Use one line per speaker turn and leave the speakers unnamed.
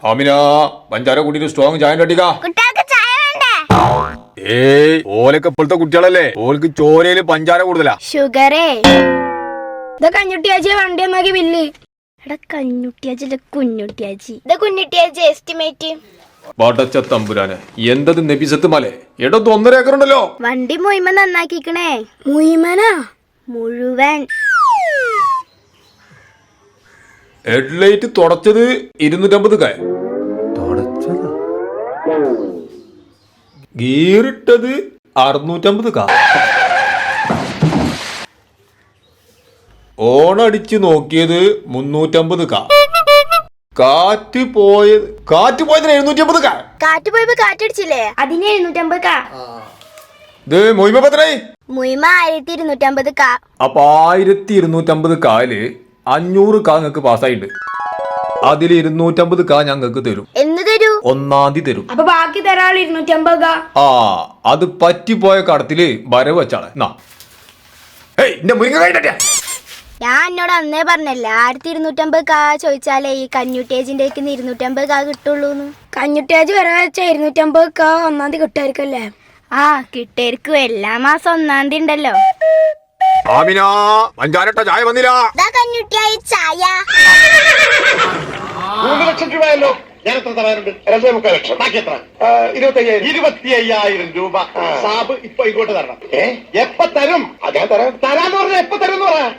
അമിന പഞ്ചാര കൂട്ടിട്ട് സ്ട്രോങ് ചായ അടിക്കാ.
കുട്ടികൾക്ക് ചായ വേണ്ടേ?
ഏയ് ഓലൊക്കെ ഇപ്പോഴത്തെ കുട്ടികളല്ലേ, ഓൾക്ക് ചോരയില് പഞ്ചാര കൂടുതലാ.
ഷുഗറേ ഇത് കഞ്ഞുട്ടിയാച്ചി വണ്ടി ഒന്നാക്കി ബില്ല്. എടാ കഞ്ഞുട്ടിയാച്ചി കുഞ്ഞുട്ടിയാച്ചി. ഇത് കുഞ്ഞുട്ടിയാച്ചി എസ്റ്റിമേറ്റ്.
പടച്ച തമ്പുരാനെ, എന്തത് നബിസത്ത് മല. എടത്ത് 1.5 ഏക്കർ ഉണ്ടല്ലോ.
വണ്ടി മുയിമ നന്നാക്കിക്കണേ. മുയിമനാ മുഴുവൻ.
ഹെഡ്ലൈറ്റ് തുടച്ചത് 250 കായ. ഗീറിട്ടത് 650 കാ. ഓണടിച്ച് നോക്കിയത് 350 കാ. കാറ്റ് പോയതിന് 750 കാ.
കാറ്റ് പോയപ്പോ കാറ്റടിച്ചില്ലേ, അതിന് 750 കാ.
ഇത് മൊയ്മ പത്രായി
മുയിമ 1250 കാ.
അപ്പൊ 1250 കാല് 500 കാ നിങ്ങക്ക് പാസ്സായിട്ടുണ്ട്. അതിൽ 250 കാ ഞങ്ങൾക്ക് തരും.
എന്ന് തരൂ?
1-ാം തീയതി തരും.
അപ്പൊ ബാക്കി തരാൾ 250 കാ.
ആ അത് പറ്റിപ്പോയ കടത്തില് വരവ് വെച്ചാണ്.
ഞാൻ എന്നോട് അന്നേ പറഞ്ഞല്ലേ 1250 കാ ചോദിച്ചാലേ ഈ കഞ്ഞുട്ടേജിന്റെ 250 കാ കിട്ടുള്ളൂന്ന്. കഞ്ഞുട്ടേജ് വരെ വെച്ച 250 കാ 1-ാം തീയതി കിട്ടായിരിക്കല്ലേ? ആ കിട്ടായിരിക്കും. എല്ലാ മാസം 1-ാം തീയതി ഉണ്ടല്ലോ.
ആമിന പഞ്ചാരട്ട ചായ വന്നില്ല.
കഞ്ഞുട്ടിയായി ചായ.
3 ലക്ഷം രൂപയല്ലോ. ഞാൻ എത്ര തരാനുണ്ട്? 2.25 ലക്ഷം. ബാക്കി എത്ര? 25,000 രൂപ. സാബ് ഇപ്പൊ ഇങ്ങോട്ട് തരണം. എപ്പ തരും? ഞാൻ തരാന്ന് പറഞ്ഞ എപ്പ തരും എന്ന് പറയാ.